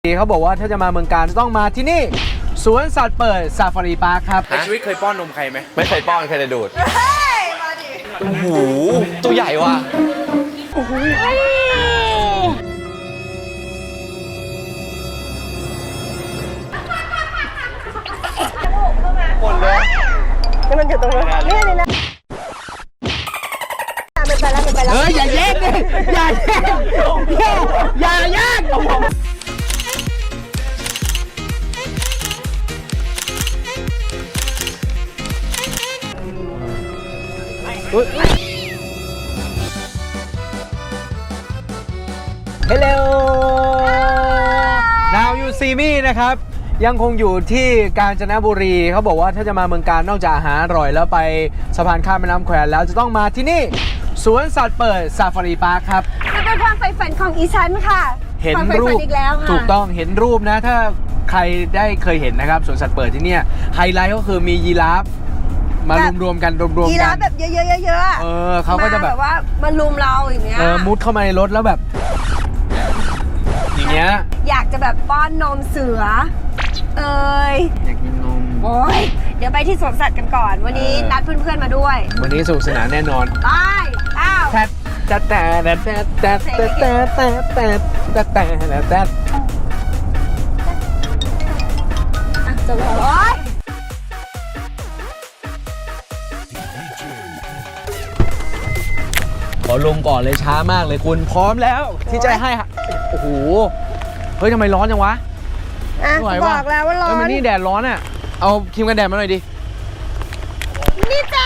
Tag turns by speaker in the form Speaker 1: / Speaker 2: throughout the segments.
Speaker 1: เขาบอกว่าถ้าจะมาเมืองการต้องมาที่นี่สวนสัตว์เปิดซาฟารีพาร์คครับในชีวิตเคยป้อนนมใครไหม
Speaker 2: ไม่เคยป้อนเคยแต่ดูด
Speaker 3: เฮ้ยมาดิ
Speaker 2: โอ้โหตัวใหญ่ว่ะโอ้โหหมดเลย
Speaker 3: นี่มันอยู่ตรงนี้นี่เลยนะมันไปแล้วมันไปแล้ว
Speaker 1: อย่าแย่งดิอย่าแย่งอย่าแย่งHello Now you see me นะครับยังคงอยู่ที่กาญจนบุรีเขาบอกว่าถ้าจะมาเมืองการนอกจากอาหารอร่อยแล้วไปสะพานข้ามแม่น้ำแควแล้วจะต้องมาที่นี่สวนสัตว์เปิดซาฟารีพาร์คครับ
Speaker 3: มันเป็นความใฝ่ฝันของอีฉันค่ะ
Speaker 1: เห็นรูปถูกต้องเห็นรูปนะถ้าใครได้เคยเห็นนะครับสวนสัตว์เปิดที่เนี่ยไฮไลท์ก็คือมียีราฟมารวมกัน
Speaker 3: ยีราฟแบบเยอะ
Speaker 1: ๆเขาก็จะแบบ
Speaker 3: ว่ามาลุมเราอย่างเงี้ย
Speaker 1: มุดเข้ามาในรถแล้วแบบอย่างเงี้ย
Speaker 3: อยากจะแบบป้อนนมเสือ
Speaker 1: อยากกินนม
Speaker 3: โอ้ยเดี๋ยวไปที่สวนสัตว์กันก่อนวันนี้นัดเพื่อนๆมาด้วย
Speaker 1: วันนี้สนุกสนานแน่นอน
Speaker 3: ไปอ้าว
Speaker 1: แต่จบแล้วขอลงก่อนเลยช้ามากเลยคุณพร้อมแล้วที่จะให้โอ้โหเฮ้ยทำไมร้อนจังวะ
Speaker 3: บอกแล้วว่าร้อน
Speaker 1: มันนี่แดดร้อนอ่ะเอาครีมกันแดดมาหน่อยดิ
Speaker 3: นี่จ้า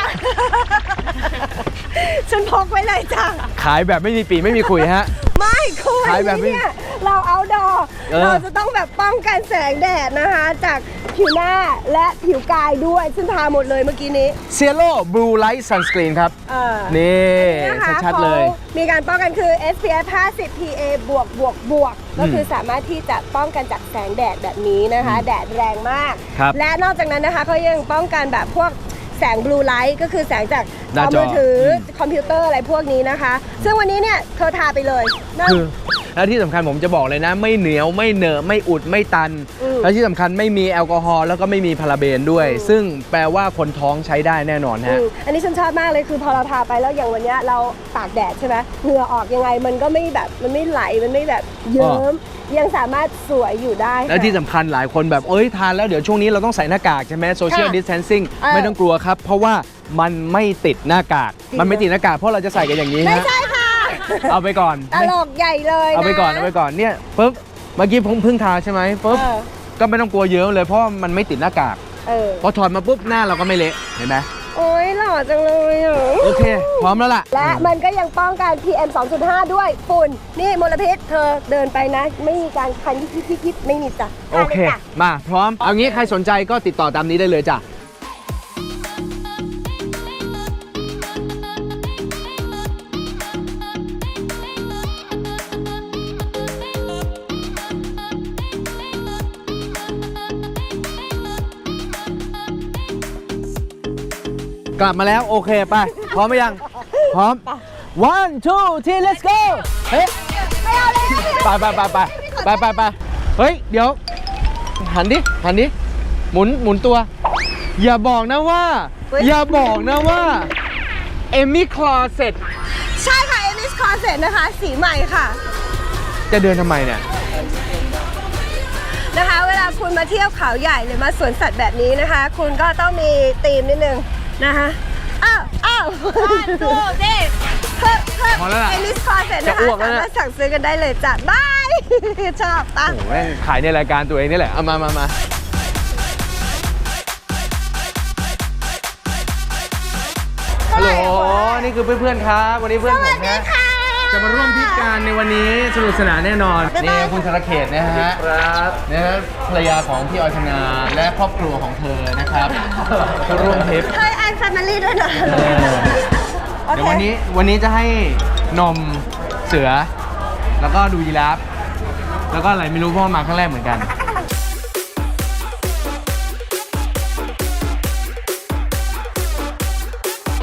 Speaker 3: ฉันพกไว้เลยจ้า
Speaker 1: ขายแบบไม่มีปีไม่มีคุยฮะ
Speaker 3: ไม่คุยเนี่ยเราเอาดอเราจะต้องแบบป้องกันแสงแดดนะคะจากผิวหน้าและผิวกายด้วยซึ่งทาหมดเลยเมื่อกี้นี้
Speaker 1: Cielo Blue Light Sunscreen ครับนี่ชัดๆเลย
Speaker 3: มีการป้องกันคือ SPF 50 PA บวกก็คือสามารถที่จะป้องกันจากแสงแดดแบบนี้นะคะแดดแรงมากและนอกจากนั้นนะคะเขายังป้องกันแบบพวกแสง Blue Light ก็คือแสงจากมือถือคอมพิวเตอร์อะไรพวกนี้นะคะซึ่งวันนี้เนี่ยเธอทาไปเลย
Speaker 1: แล้วที่สำคัญผมจะบอกเลยนะไม่เหนียวไม่เหนอะไม่อุดไม่ตันแล้วที่สำคัญไม่มีแอลกอฮอล์แล้วก็ไม่มีพาราเบนด้วยซึ่งแปลว่าคนท้องใช้ได้แน่นอนฮะ
Speaker 3: อันนี้ฉันชอบมากเลยคือพอเราทาไปแล้วอย่างวันนี้เราตากแดดใช่ไหมเหงื่อออกยังไงมันก็ไม่แบบมันไม่ไหลมันไม่แบบเยิ้มยังสามารถสวยอยู่ได้
Speaker 1: แล้วที่สำคัญหลายคนแบบทานแล้วเดี๋ยวช่วงนี้เราต้องใส่หน้ากากใช่ไหม Social Distancing ไม่ต้องกลัวครับเพราะว่ามันไม่ติดหน้ากากมันไม่ติดหน้ากากเพราะเราจะใส่กันอย่างนี้
Speaker 3: ไม่ใช่ค่ะ
Speaker 1: เอาไปก่อน
Speaker 3: ตลกใหญ่เลย
Speaker 1: เอาไปก่อนเนี่ยปุ๊บเมื่อกี้เพิ่งทาใช่ไหมปุ๊บก็ไม่ต้องกลัวเยอะเลยเพราะมันไม่ติดหน้ากากพอถอดมาปุ๊บหน้าเราก็ไม่เละเห็นไหม
Speaker 3: โอ้ยหล่อจังเลย
Speaker 1: โอเคพร้อมแล้วล่ะ
Speaker 3: และมันก็ยังป้องกัน PM 2.5 ด้วยฝุ่นนี่มลพิษเธอเดินไปนะไม่มีการคันยิบไม่มีจ้ะ
Speaker 1: โอเคมาพร้อมเอางี้ใครสนใจก็ติดต่อตามนี้ได้เลยจ้ะกลับมาแล้วโอเคไปพร้อมไหมยังพร้อม one two three let's go เฮ้ย
Speaker 3: ไม่เอาเลย
Speaker 1: ไปเฮ้ยเดี๋ยวหันดิหมุนตัวอย่าบอกนะว่าเอมี่คลอเซ็ต
Speaker 3: ใช่ค่ะเอมี่คลอเซ็ตนะคะสีใหม่ค่ะ
Speaker 1: จะเดินทำไมเนี่ย
Speaker 3: นะคะเวลาคุณมาเที่ยวเขาใหญ่หรือมาสวนสัตว์แบบนี้นะคะคุณก็ต้องมีธีมนิดนึงนะคะอ้าวดูดิเอลิสคอร์เซ็ตนะคะสามารถสั่งซื้อกันได้เลยจ้ะบายชอบปะ
Speaker 1: โอ้โหแม่งขายในรายการตัวเองนี่แหละเอามาฮัลโหลนี่คือเพื่อนๆครับวันนี้เพื่อนผมนะจะมาร่วมพิการในวันนี้สนุกสนานแน่นอนนี่คุณธรเขตนะฮะครับนะครับภรรยาของพี่ออยธนาและครอบครัวของเธอนะครับร่วมทริป
Speaker 3: เฮ้ยแอนแฟมิลี่ด้วยนะ
Speaker 1: เดี๋ยววันนี้จะให้นมเสือแล้วก็ดูยีราฟแล้วก็อะไรไม่รู้เพราะมาครั้งแรกเหมือนกัน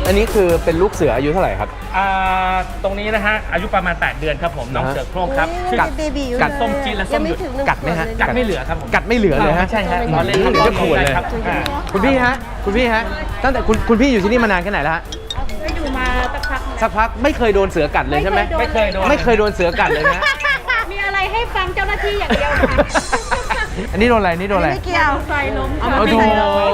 Speaker 1: อันนี้คือเป็นลูกเสืออายุเท่าไหร่ครับ
Speaker 4: ตรงนี้นะฮะอายุประมาณ 8 เดือนครับผมน้องเสือโคร่งครับ
Speaker 3: กัดเบบีอยู่
Speaker 1: กัด
Speaker 4: ส้มจีนและส้มหยุด
Speaker 1: กัดไหมฮะ
Speaker 4: กัดไม่เหลือครับผม
Speaker 1: กัดไม่เหลือเลยฮะ
Speaker 4: ใช่ฮะ
Speaker 1: ตอนเล่นเดี๋ยวจะขวดเลย
Speaker 4: ครับ
Speaker 1: คุณพี่ฮะคุณพี่ฮะตั้งแต่คุณพี่อยู่ที่นี่มานานแค่ไหนแล้วฮะ
Speaker 5: อยู่มาสักพัก
Speaker 1: สักพักไม่เคยโดนเสือกัดเลยใช่ไหม
Speaker 4: ไม่เคยโดน
Speaker 1: ไม่เคยโดนเสือกัดเลยนะ
Speaker 5: มีอะไรให้ฟังเจ้าหน้าที่อย่างเดียวค่ะ
Speaker 1: อันนี้โดนอะไรนี่โดนอะไร
Speaker 3: ไม่เกี่ยว
Speaker 5: ไฟล้ม
Speaker 1: โอ้โห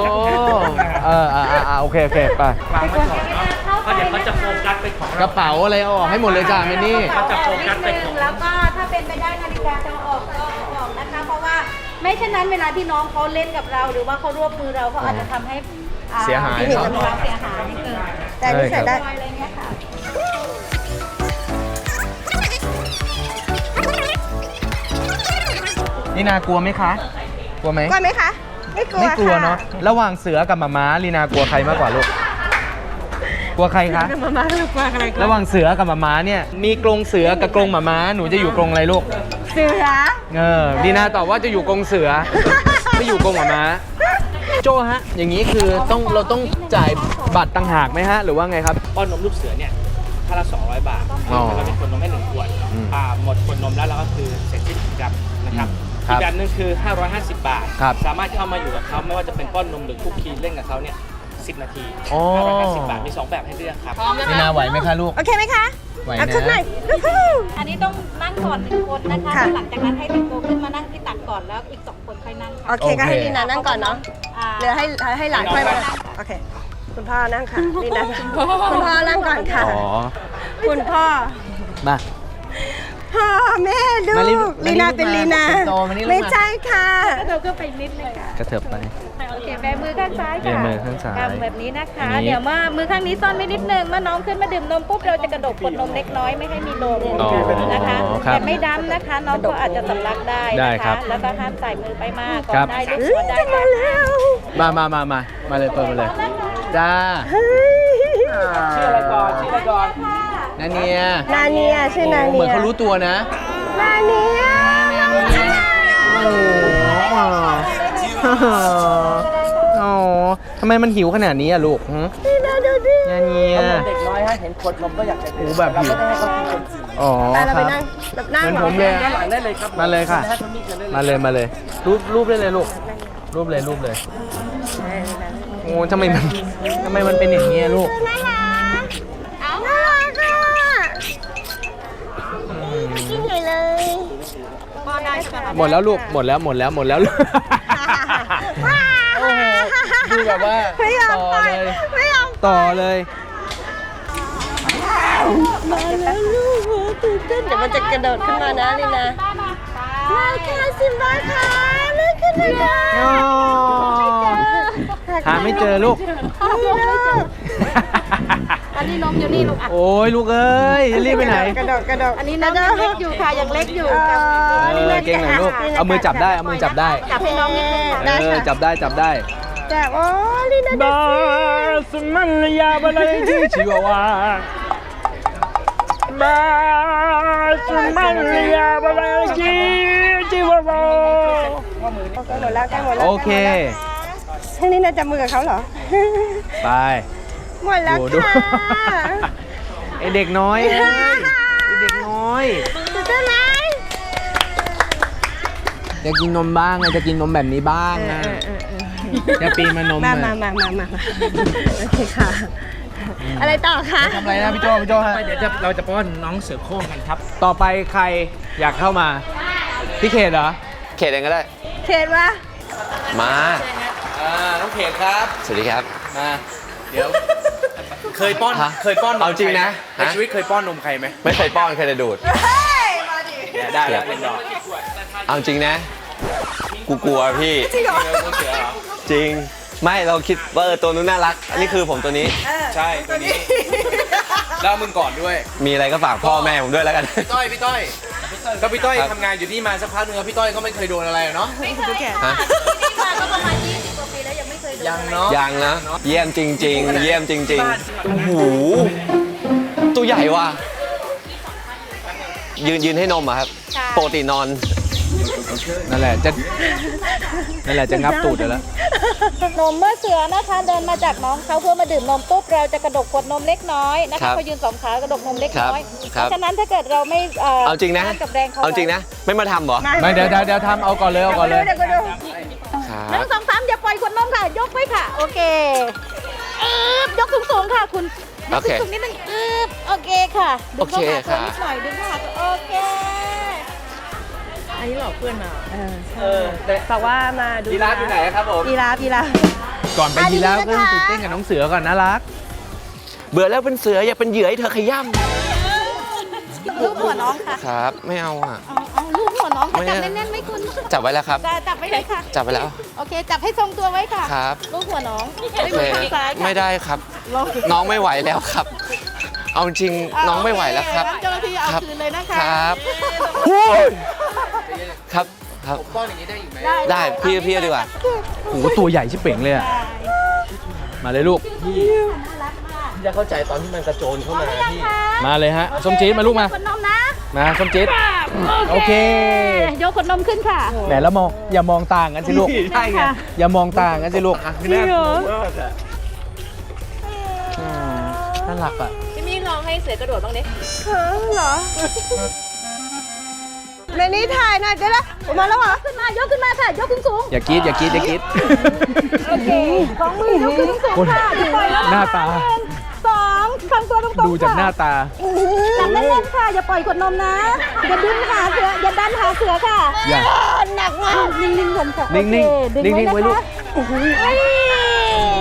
Speaker 1: โอเคโอเคไป
Speaker 4: วางไว้ก่อนเนาะเพราะเดี๋ยวเขาจะโฟกัสไปของ
Speaker 1: กระเป๋าอะไรเอาออกให้หมดเลยจ้าเมนี่
Speaker 4: เขาจะโฟกัสไปของ
Speaker 5: แล้วก็ถ้าเป็นไปได้นาฬิกาจะเอาออกก็เอาออกนะคะ เพราะว่าไม่เช่นนั้นเวลาที่น้องเขาเล่นกับเรา หรือว่าเขารวบมือเราเขาอาจจะทำให้
Speaker 1: เสียหาย
Speaker 5: เนาะเสียหายเกิด
Speaker 3: แต่อันนี่ใส่ได้
Speaker 5: อะไรเงี้ยค่ะ
Speaker 1: นี่นากลัวไหมคะกลัวไหม
Speaker 3: กลัวไหมคะ ไม่กลัว
Speaker 1: ไม่กลัว
Speaker 3: ค่
Speaker 1: เนาะระหว่างเสือกับหมาม้าลีนากลัวใครมากกว่าลูกกลัวใครคะ
Speaker 3: มาม่าลูกกลัวอะไร
Speaker 1: ระหว่างเสือกับหมาม้าเนี่ยมีกรงเสือกับกรงหมาม้าหนูจะอยู่กรงอะไรลูก
Speaker 3: เสือ
Speaker 1: ดีนาตอบว่าจะอยู่กรงเสือ ไม่อยู่กรงหมาม้าโจฮะ อย่างนี้คือเราต้องจ่ายบัตรต่างหากไหมฮะ หรือว่าไงครับ
Speaker 4: ป้อนนมลูกเสือเนี่ยถ้าละ200 บาท
Speaker 1: อ๋อ
Speaker 4: เราเป็นคนนมให้1 ขวด
Speaker 1: อืม
Speaker 4: หมดคนนมแล้วเราก็คือเสร็จสิ้นกิจกรรมนะครับ
Speaker 1: ครั
Speaker 4: อี
Speaker 1: บ
Speaker 4: กแบบหนึงคือ 550 บาท
Speaker 1: ครับ
Speaker 4: สามารถเข้ามาอยู่กับเขาไม่ว่าจะเป็นป้อนนมหรือคุกคีเล่นกับเขาเนี่ย10 นาที
Speaker 1: อ๋อ
Speaker 4: 550 บาทมี 2 แบบให้เลือกครับ
Speaker 1: ลีนาไหวไหมคะลูก
Speaker 3: โอเคไหมคะ
Speaker 1: ไหว
Speaker 3: เอา
Speaker 1: นะ
Speaker 3: ขึ้นหน่อยวู้ฮู้
Speaker 5: อันนี้ต้องนั่งก่อน1 คนนะคะ
Speaker 3: ค่ะ
Speaker 5: หลังจากนั้นให้เป็นโตขึ้นมานั่งที่ตักก่อนแล้วอีก2 คนค่อยนั่ง
Speaker 3: โอเคก็ให้ลีนานั่งก่อนเนาะ
Speaker 5: อ่า
Speaker 3: เหลือให้หลานค่อยมาโอเค คุณพ่อนั่งค่ะลีนาคุณพ่อนั่งก่อนค่ะ
Speaker 1: อ๋อ
Speaker 3: คุณพ่อ
Speaker 1: มา
Speaker 3: พ่อแม่ลู
Speaker 1: มาลิ
Speaker 3: กลีนาเป็นลีนา
Speaker 1: เป็นโตมานี่ลูกมา
Speaker 3: ไม่ใช่ค่ะ
Speaker 5: เราก็ไปนิดนึงค่ะ
Speaker 1: กระเถิบไป
Speaker 5: โอเคแบมือข้างซ้าย
Speaker 1: แบ
Speaker 5: ค่ะ
Speaker 1: มือข้างซ้าย
Speaker 5: กำแบบนี้นะคะ
Speaker 1: อันนี้
Speaker 5: เดี๋ยวมือข้างนี้ซ่อนไว้นิดนึงเมื่อน้องขึ้นมาดื่มนมปุ๊บเราจะกระดกกดนมเล็กน้อยไม่ให้มีนม
Speaker 1: อ๋อ
Speaker 5: นะคะ
Speaker 1: ครับ
Speaker 5: แต่ไม่ดำนะคะ น้องก็อาจจะสำลักได้
Speaker 1: ได้
Speaker 5: นะ
Speaker 1: ครั
Speaker 5: คะ
Speaker 1: บ
Speaker 5: แล้วก็ห้ามใส่มือไปมากก่อ
Speaker 1: ครั
Speaker 5: น
Speaker 1: บ
Speaker 5: ได้ลูก
Speaker 3: เฮ้
Speaker 5: หั
Speaker 3: ยว
Speaker 5: ได้
Speaker 3: จะมาแล้ว
Speaker 1: มาเลยเปิดมาเลย จ้า
Speaker 3: เฮ้ย
Speaker 4: ชื่ออะไรก่อนชื่ออะไรก่อน
Speaker 1: นาเนีย
Speaker 3: นาเนียชื่อนาเนีย
Speaker 1: เหมือนเขารู้ตัวนะ
Speaker 3: นาเนีย
Speaker 1: โอ้โหโอ้ทำไมมันหิวขนาดนี้อะลูกหึ
Speaker 3: นี่นาดูดิ
Speaker 1: นาเนีย
Speaker 4: เด็กน้อยฮะเห็นขวดนมก็อยากจะ
Speaker 1: โอ้แบบหิวอ๋อ
Speaker 3: ไป
Speaker 1: ค
Speaker 3: เรา
Speaker 1: รับ
Speaker 3: ไปนั่งแบบนั่ง
Speaker 1: เหมือน
Speaker 3: เหร
Speaker 1: ผ
Speaker 3: อ
Speaker 1: มเลย
Speaker 4: ด้านหลังได้เลยครับ
Speaker 1: มาเลยค่ะ มาเลยรูปได้เลยลูกรูปเลยโอ้ทำไมมันเป็นอย่างนี้อะลูก
Speaker 3: น่ารักน่ารักอ่ะกินใหญ่เลย
Speaker 1: หมดแล้วลูกหมดแล้วลูกโอ้โหดูแบบว่า
Speaker 3: ไม่ยอม
Speaker 1: ต่อ
Speaker 3: ไป
Speaker 1: เลย
Speaker 3: ไม่ยอม
Speaker 1: ต่อเลย
Speaker 3: มาแล้วลูกโหตื่นเต้นเดี๋ยวมันจะกระโดดขึ้นมานะลีนามาค่ะซิมบ้าค่ะเลื่อนขึ้นเลยค่ะ
Speaker 1: โอ้หาไม่เจอลูก
Speaker 5: อันนี้นมอยู่นี่ลูกอ่ะ
Speaker 1: โอ้ยลูกเอ้ยจะรีบไปไหน
Speaker 3: กระโดด
Speaker 5: อันนี้น้องยังเล็กอยู่ค่ะยังเล็กอยู่
Speaker 1: เก่งหน่อยลูกเอามือจับได้
Speaker 5: จับให้น้องนิดนึงค่ะ
Speaker 3: ได้ค่ะ
Speaker 1: จับได้
Speaker 3: จับโอ้ลีนาดู
Speaker 4: สมันยาบะเลยที่ชิวาวาบาสมันยาบะเลยที่ชิวาวา
Speaker 3: ใกล้หมดแล้วใกล้หมดแล้ว
Speaker 1: โอเค
Speaker 3: ทั้งนี้น่าจับมือกับเขาเหรอ
Speaker 1: ไป
Speaker 3: หมดแล้ว
Speaker 1: ดู
Speaker 3: ค่ะ
Speaker 1: ไอเด็กน้อยเอ้ยไอเด็กน้อย
Speaker 3: ตื่นเต้นไหม
Speaker 1: จะกินนมบ้างไงจะกินนมแบบนี้บ้างนะจะปีมานม
Speaker 3: มา
Speaker 1: อะ
Speaker 3: โอเคค่ะ อะไรต่อคะ
Speaker 1: ทำอะไรนะพี่โจฮะ
Speaker 4: เดี๋ยวเราจะป้อนน้องเสือโคร่งกันครับ
Speaker 1: ต่อไปใครอยากเข้ามา พี่เขตเหรอ
Speaker 2: เขตเองก็ได้
Speaker 3: เขตวะ
Speaker 2: มา
Speaker 1: น้องเขตครับ
Speaker 2: สวัสดีครับ
Speaker 1: มาเดี๋ยวเคยป้อน
Speaker 2: ฮะ
Speaker 1: เคยป้อนนม
Speaker 2: เอาจริงนะ
Speaker 1: ใครไหมในชีวิตเคยป้อนนมใครไหม
Speaker 2: ไม่เคยป้อนเคยแต่ดูด
Speaker 1: เนี่ยได้แล้วเป็นดอก
Speaker 2: เอาจริงนะ กูกลัวพี่
Speaker 3: จริงเหรอ
Speaker 2: จริง ไม่เราคิดว่าตัวนู้นน่ารัก อันนี้คือผมตัวนี้
Speaker 1: ใช่ตัวนี้แล้วมึงก่อนด้วย
Speaker 2: มีอะไรก็ฝากพ่อแม่ผมด้วยแล้วกัน
Speaker 1: พี่ต้อยก็พี่ต้อย
Speaker 2: ครับ
Speaker 1: ทำงานอยู่นี่มาสักพักนึงแล้วพี่ต้อยก็ไม่เคยโดนอะไรเนาะ
Speaker 2: ฮะ
Speaker 5: ที่มาก็ประมาณ20 กว่าปีแล้วยังไม่เคยโดน
Speaker 1: ยังเนาะ
Speaker 2: ยังนะ เยี่ยมจริง ๆ เยี่ยมจริงๆโอ้โหตัวใหญ่ว่ะยืนให้นมอะครับปกตินอน
Speaker 1: โอเคนั่นแหละจะงับตูดแล้ว
Speaker 5: นมเมื่อเสือนะคะเดินมาจากน้องเขาเพื่อมาดื่มนมปุ๊บเราจะกระดกขวดนมเล็กน้อยนะ
Speaker 2: ครั
Speaker 5: คะ
Speaker 2: บ
Speaker 5: เขายืน2 ขากระดกนมเล็กน้อย
Speaker 2: ครับ
Speaker 5: เพราะฉะนั้นถ้าเกิดเราไม่
Speaker 2: เอาจริงนะ
Speaker 5: ต้านกับแรงเขา
Speaker 2: เอาจริงนะ ไม่มาทำเหรอ
Speaker 1: ไม่เดี๋ยวทำเอาก่อนเลย
Speaker 3: เดี๋ยวก็ดู
Speaker 2: ครับ
Speaker 5: 1 2 3อย่าปล่อยขวดนมค่ะ ยกไว้ค่ะ โอเคยกสูงๆค่ะคุณย
Speaker 2: โอก เค
Speaker 5: สูงๆนิดนึงโอเคค่ะดึงเข้าหา
Speaker 2: โอเค
Speaker 5: ตัว
Speaker 2: ค่ะ
Speaker 5: นิดหน่อยดึงเข้าหาตัวโอเค
Speaker 3: บอกว่ามาดู
Speaker 1: ยีราฟอยู่ไหนครับผม
Speaker 3: ยีราฟ
Speaker 1: ก่อนไปยีราฟก็ต้องตื่นเต้นกับน้องเสือก่อนน่ารัก
Speaker 2: เบื่อแล้วเป็นเสืออย่าเป็นเหยื่อให้เธอขย้
Speaker 5: ลูบหัวน้องค่ะ
Speaker 2: ำครับ ไม่เอาอ่ะ
Speaker 5: เอาลูบหัวน้องค่ะ
Speaker 2: ไม่
Speaker 5: จับ
Speaker 2: เอา
Speaker 5: แน่นๆไหมคุณ
Speaker 2: จับไว้แล้วครับ
Speaker 5: จับไว้เลยค่ะ
Speaker 2: จับไว้แล้ว
Speaker 5: โอเค จับให้ทรงตัวไว้ค่ะ
Speaker 2: ครับ
Speaker 5: ลูบหัวน้อง
Speaker 2: โอ
Speaker 5: ไม่
Speaker 2: เค
Speaker 5: มือข้างซ้ายค่ะ
Speaker 2: ไม่ได้ครับ น้องไม่ไหวแล้วครับ เอาจริงน้องไม่ไหวแล้วครับ
Speaker 5: เจ้าหน้าที่เอา
Speaker 2: ครับ
Speaker 5: คืนเลยนะคะ
Speaker 2: ครับครับครับ
Speaker 1: ป้อนอย่างนี้ได้อีกไหม
Speaker 2: ได้พี่ดีกว่า
Speaker 1: โอ้โหตัวใหญ่ชิบเป่งเลยอะมาเลยลูก
Speaker 2: จะเข้าใจตอนที่มันกระโจนเข้ามาพี่
Speaker 1: มาเลยฮะส้มจี๊ดมาลูกมา
Speaker 5: ขวดนมนะ
Speaker 1: มาส้มจี๊ดโอเค
Speaker 5: ยกขวดนมขึ้นค่ะ
Speaker 1: แหมแล้วมองอย่ามองต่างกันสิลูก
Speaker 2: ใช่ไง
Speaker 1: อย่ามองต่างกันสิลูก
Speaker 2: จริงเหรอ
Speaker 1: น่ารักอ่ะ
Speaker 5: พี่มี่ลองให้เสือกระโดดบ้างดิ
Speaker 3: เหรอในนี้ถ่ายหน่อยได้ละมาแล้วเหรอ
Speaker 5: ขึ้นมายกขึ้นมาค่ะ ยกสูง
Speaker 1: อย่ากรีดอย่ากรีดอย่ากรีด
Speaker 5: ๆโอเคของมือยกขึ้นสูง
Speaker 1: คน
Speaker 5: ๆค่ะอย่าปล่อยแล้ว
Speaker 1: หน้าตา
Speaker 5: 2ทำตัวตรงๆ
Speaker 1: ดูจากหน้า
Speaker 5: ค่ะ
Speaker 1: ตา
Speaker 5: จับแน่นๆค่ะ อย่าปล่อยขวดนมนะ อย่าดึงหาเสือ อย่าดันหาเสือค่ะ
Speaker 1: อย่า
Speaker 3: หนักมาก
Speaker 5: นิ่งๆก่อนค่ะ
Speaker 1: นิ่งๆ
Speaker 5: โอเคดึ
Speaker 1: นิ่งๆไว้ลูก
Speaker 5: โอ้โหเอ้ย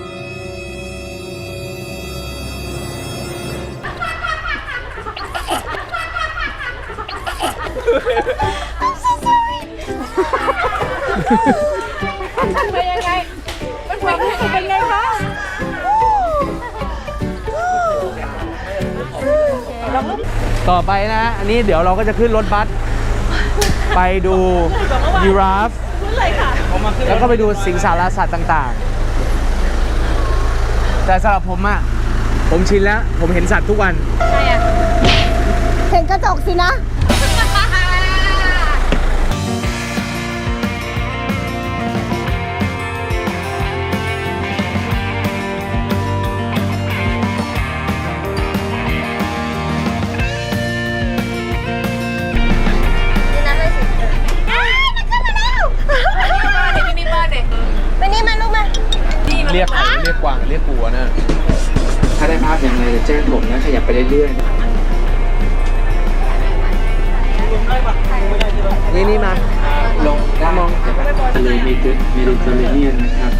Speaker 5: เป็นยังไงเป็นความรู้สึกเป็นไงคะ
Speaker 1: ต่อไปนะ อันนี้เดี๋ยวเราก็จะขึ้นรถบัส ไปดูยีราฟ แล้วก็ไปดูสิงสารสัตว์ต่างๆ แต่สำหรับผมอะผมชินแล้ว ผมเห็นสัตว์ทุกวัน
Speaker 3: เห็นกระจกสินะ ไปนี่มาลูกมา
Speaker 1: เรียกใครเรียกกวางเรียกกูอะนะ ถ้าได้ภาพยังไงจะแจ้งผมนะ ขยับไปเรื่อยๆนี่มา ลงได้มองทะเลเมดิเตอร์เรเนียนนะครับ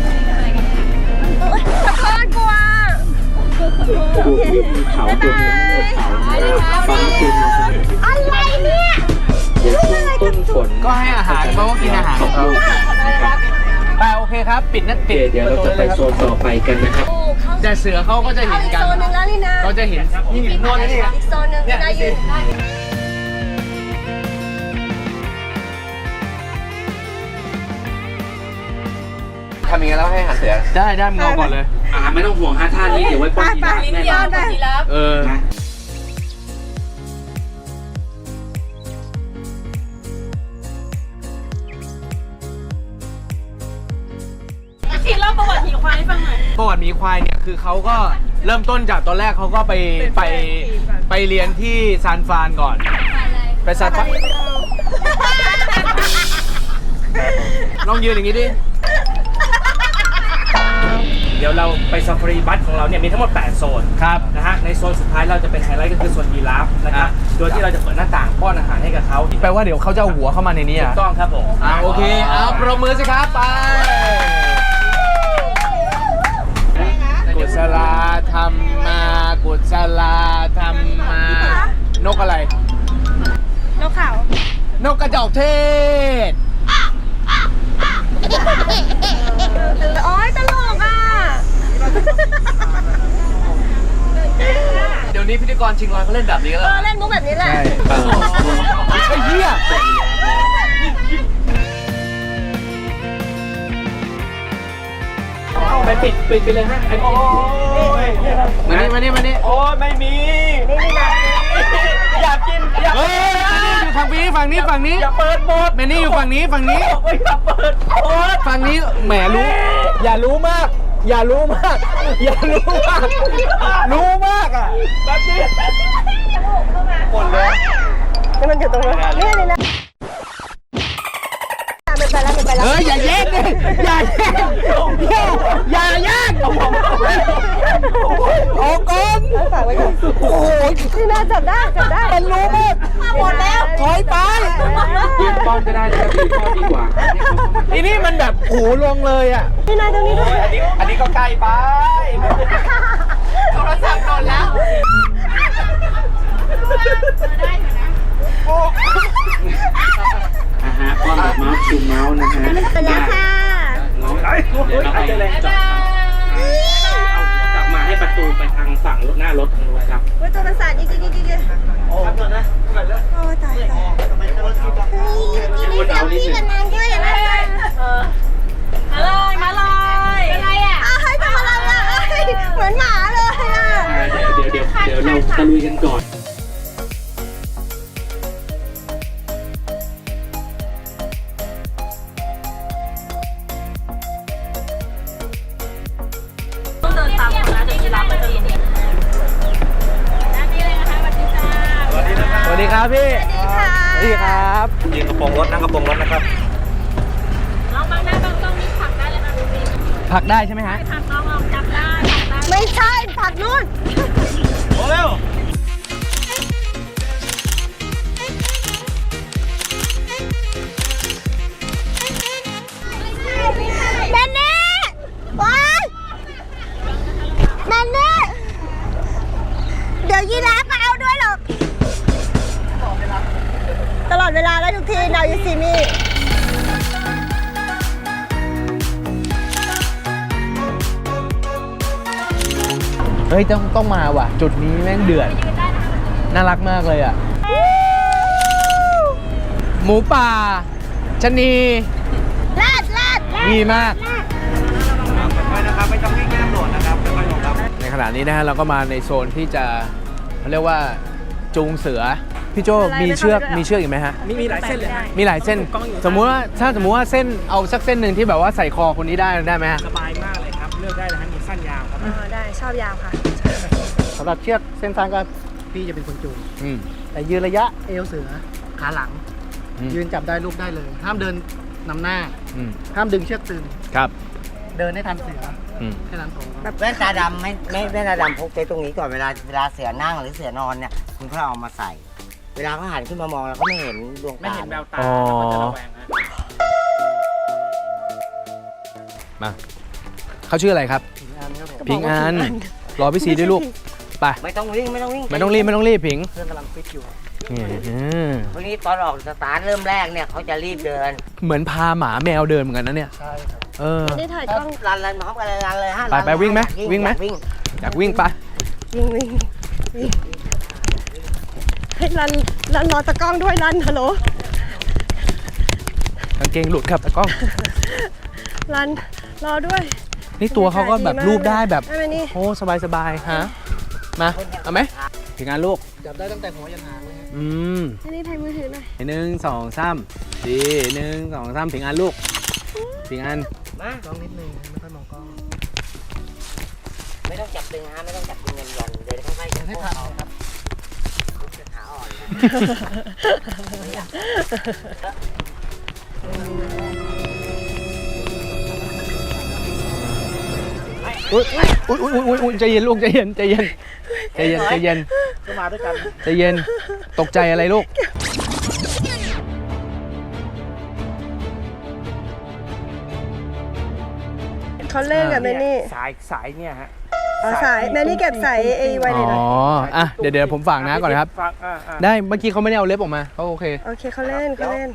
Speaker 3: ขอโทษกลัว
Speaker 1: ตัวมีเขาตัวมีเขาฟ้าเป็น
Speaker 3: อะไรเนี่ย
Speaker 1: เดี๋ยวช่วงต้นฝนก็ให้อาหารเขาก็กินอาหารของเขาไปโอเคครับ ปิดนัดปิดเดี๋ยวเราจะไปโซนต่อไปกันนะครับแต่เสือเขาก็จะเห็นกัน
Speaker 3: โซนหนึ่งแล้วนี่นะ
Speaker 1: เขาจะเห็นนี่โน่นนี่
Speaker 3: อีกโซนหนึ่งนะยืน
Speaker 2: ทำยังไงแล้วให้อาหารเสือ
Speaker 1: ได้มึงเอาก่อนเลย
Speaker 6: ไม่ต้องห่วงท่านี้เดี๋ยวไว้ป้อนยีราฟแน่นอน
Speaker 1: เออ
Speaker 5: ทีเล่าประวัติหมีควายให้ฟังหน่อย
Speaker 1: ประวัติหมีควายเนี่ยคือเขาก็เริ่มต้นจากตอนแรกเขาก็ไปเรียนที่ซานฟรานก่อน ไปซานฟรานลองยืนอย่างนี้ดิ
Speaker 6: เดี๋ยวเราไปซาฟารีบัสของเราเนี่ยมีทั้งหมด 8 โซน
Speaker 1: ครับ
Speaker 6: นะฮะ ในโซนสุดท้ายเราจะเป็นไฮไลท์ก็คือโซนยีราฟนะครับ โดยที่เราจะเปิดหน้าต่างป้อนอาหารให้กับเขา
Speaker 1: แปลว่าเดี๋ยวเขาจะเอาหัวเข้ามาในนี้
Speaker 6: ถู
Speaker 1: อ่ะ
Speaker 6: กต้องครับผม
Speaker 1: โอเค เอาปรบมือสิครับ ไป กุศลาธรรมา กุศลาธรรมา นกอะไร
Speaker 3: นกเขา
Speaker 1: นกกระจอกเทศ
Speaker 3: โอ๊ยตลกอ่ะ
Speaker 2: เดี๋ยวนี้พิธีกรชิงร้อยเขาเล่นแบบนี้แล้ว
Speaker 3: เล่นมุกแบบนี้แหละ
Speaker 1: ใช่ไอ้เหี้ย
Speaker 6: ไปปิดไปเลยฮะโอ้ย
Speaker 1: มานี่
Speaker 6: โอ้ยไม่มี อยากกิน
Speaker 1: เฮ้ยอยู่ฝั่งนี้อย่าเปิดหมดแมนนี่อยู่ฝั่งนี้อย่าเปิดฝั่งนี้แหมรู้อย่ารู้มากรู้มากอ่ะแบบนี้หมดเลย
Speaker 3: นี่มันอยู่ตรงนี้นี่เลยนะมันไปแล้ว
Speaker 1: อย่าแยกดิอย่าแยกโอ้กอน
Speaker 3: ฝากไว้ก่อนโอ้ยนี่น่าจับได้เป็นรู้มากหมดแล้วถอยไป
Speaker 6: ยืนป้อนก็ได้นะครับยืนป้อนดีกว่า
Speaker 1: ทีนี้มันแบบหูลงเลยอ่ะ
Speaker 3: นี่นายตรงนี้ด้วย
Speaker 6: อันนี้ก็ใกล้ไปโทรศัพท์หล่นแล้วป้อนแบบเมาส์ชูเมาส์นะฮะ
Speaker 3: เป็นแล้วค่ะ
Speaker 6: น้องเดี๋ยวเราไปจอดเอากลับมาให้ประตูไปทางฝั่งรถหน้ารถทางรถครับ
Speaker 3: ว่าตัวประสาทอีกโอ้ตายนี่เซลฟี่กับนางด้วยนะมาเลยอะไรอ่ะให้ทำอะไรอ่ะเหมือนหมาเลยอ่ะ
Speaker 6: เดี๋ยวเราตะลุยกันก่อน
Speaker 1: สวัสดีครับพี่
Speaker 3: สวัสดีค่ะ
Speaker 1: สวัสดีครับ
Speaker 2: ยืนกระโปรงรถนั่งกระโปรงรถนะครับ
Speaker 1: ผักได้ใช่ไหมฮะ
Speaker 3: ไม่ใช่ผักนู่น
Speaker 1: โอ้เร็ว
Speaker 3: แมนนี่ว้ายแมนนี่เดี๋ยวยีราฟมาเอาด้วยหรอกตลอดเวลาแล้วทุกที now you see me
Speaker 1: เฮ้ยต้องมาว่ะ จุดนี้แม่งเดือดน่ารักมากเลยอ่ะ หมูป่าชะนี
Speaker 3: ลาด
Speaker 1: ดีมาก
Speaker 2: ค่อยๆนะครับ ไม่ต้องวิ่งไม่ต้องโดดนะครับค่อยๆลงครับ
Speaker 1: ในขณะนี้นะฮะเราก็มาในโซนที่จะเขาเรียกว่าจูงเสือ พี่โจมีเชือกอีกไหมฮะ
Speaker 6: มีหลายเส้นเลย
Speaker 1: มีหลายเส้น สมมุติว่าถ้าสมมุติว่าเส้นเอาสักเส้นหนึ่งที่แบบว่าใส่คอคนนี้ได้ไหมฮะ
Speaker 6: สบายมากเลยครับ เลือกได้เลยฮะมีสั้นยาวครับ
Speaker 3: ได้ชอบยาวค่ะ
Speaker 4: สำหรับเชือกเส้นสั้นก็พี่จะเป็นคนจูง
Speaker 1: อืม
Speaker 4: แต่ยืนระยะเอวเสือขาหลัง
Speaker 1: อืม
Speaker 4: ยืนจับได้ลูกได้เลย ห้ามเดินนำหน้า
Speaker 1: อืม
Speaker 4: ห้ามดึงเชือกตึง
Speaker 1: ครับ
Speaker 4: เดินให้ทันเสือ
Speaker 1: อืม
Speaker 4: แค่นั้นพอ
Speaker 7: แว่นตาดำไม่แว่นตาดำพกไว้ตรงนี้ก่อนเวลาเสือนั่งหรือเสือนอนเนี่ยคุณก็เอามาใส่ เวลาเขาหันขึ้นมามองเราก็ไม่เห็นดวง
Speaker 6: ไม่
Speaker 7: ตา
Speaker 6: เห็นแววตา
Speaker 1: อ๋อ
Speaker 6: แล้วก็จะระแวงฮะ
Speaker 1: มาเขาชื่ออะไรครับ พิงอันรอพี่ซีด้วยลูกไป
Speaker 7: ไม่ต้องวิ่งไม่ต้องวิ่ง
Speaker 1: ไม่ต้องรีบพิง
Speaker 4: เครื่องกำลังฟิตอยู่
Speaker 1: นี่
Speaker 7: พวกนี้ตอนออกสตาร์ทเริ่มแรกเนี่ยเขาจะรีบเดิน
Speaker 1: เหมือนพาหมาแมวเดินเหมือนกันนะเนี่ย
Speaker 4: ใช่ครับ
Speaker 1: เออ
Speaker 3: นี่ถ่ายกล้อง
Speaker 7: รันพร้อมกันเลยรันเลยฮะ
Speaker 1: ไปวิ่งไหมวิ่งไหม
Speaker 7: อยากวิ่ง
Speaker 1: อยากวิ่งปะ
Speaker 3: วิ่งให้รันรอตะกล้องด้วยรันฮัลโหล
Speaker 1: กางเกงหลุดครับตะกล้อง
Speaker 3: รันรอด้วย
Speaker 1: นี่ตัวเขาก็แบบรูปได้แบบ
Speaker 3: ได้ไหมนี่
Speaker 1: โอ้สบายฮะมาเอาไหมพิงอันลูก
Speaker 4: จับได้ตั้งแต่หัวยันหางเลยฮะ
Speaker 1: อืม
Speaker 3: อันนี้ถ่ายมือถือหน่อย
Speaker 1: 1 2 3ดี1 2 3พิงอันลูกพิงอัน
Speaker 7: มา
Speaker 4: กล้องนิดนึงไม่ค่อยมองกล้อง
Speaker 7: ไม่ต้องจับตึงฮะไม่ต้องจับตึงเงินยันเดินค่อยๆ
Speaker 4: เดินให้ทันครับ
Speaker 7: ขาอ่อน
Speaker 1: อุ้ยใจเย็นลูกใจเย็น
Speaker 4: ก็มาด้วยกัน
Speaker 1: ใจเย็นตกใจอะไรลูก
Speaker 3: เขาเล่นกับแมนนี่
Speaker 6: สายเนี่ยฮะ
Speaker 3: เอาสายแมนนี่เก็บสายไอ้ไว้เลย
Speaker 1: อ๋
Speaker 3: นะ
Speaker 1: ออ่ะเดี๋ยวผมฝากนะก่อนนะครับ
Speaker 6: ฟังอ่า
Speaker 1: ได้เมื่อกี้เขาไม่ได้เอาเล็บออกมาเขาโอเค
Speaker 3: โอเคเขาเล่น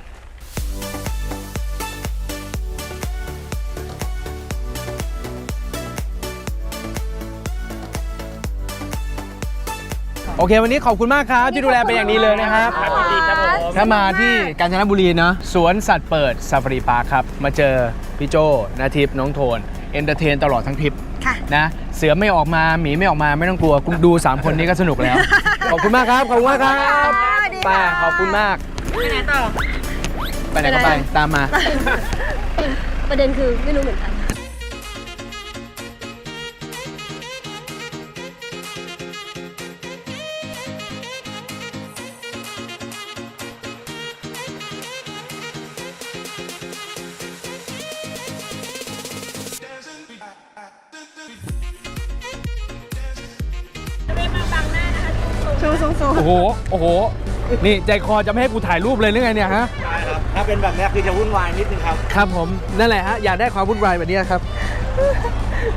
Speaker 1: โอเค วันนี้ขอบคุณมากครับที่ดูแลเป็นอย่างดีเลยนะครับ
Speaker 6: ครับดีครับผม
Speaker 1: ถ้ามาที่กาญจนบุรีเนาะสวนสัตว์เปิดซาฟารีพาร์คครับ มาเจอพี่โจนาทิพย์น้องโทนเอนเตอร์เทนตลอดทั้งทริป
Speaker 3: ค่ะ
Speaker 1: นะเสือไม่ออกมาหมีไม่ออกมาไม่ต้องกลัวคุณดู 3 คนนี้ก็สนุกแล้ว ขอบคุณมากครับ ขอบคุณมากครับ
Speaker 3: สวัสดี
Speaker 1: ไป
Speaker 3: ค่ะ
Speaker 1: ขอบคุณมาก
Speaker 3: ไปไหนต่อ
Speaker 1: ไปไหนก็ไปตามมา
Speaker 3: ประเด็นคือไม่รู้เหมือนกัน
Speaker 1: โอ้โห โอ้โห นี่ใจคอจะไม่ให้กูถ่ายรูปเลยหรือไงเนี่ยฮะ
Speaker 7: ใช่ครับ ถ้าเป็นแบบนี้คือจะวุ่นวายนิดนึงครับ
Speaker 1: ครับผม นั่นแหละฮะ อยากได้ความวุ่นวายแบบนี้ครับ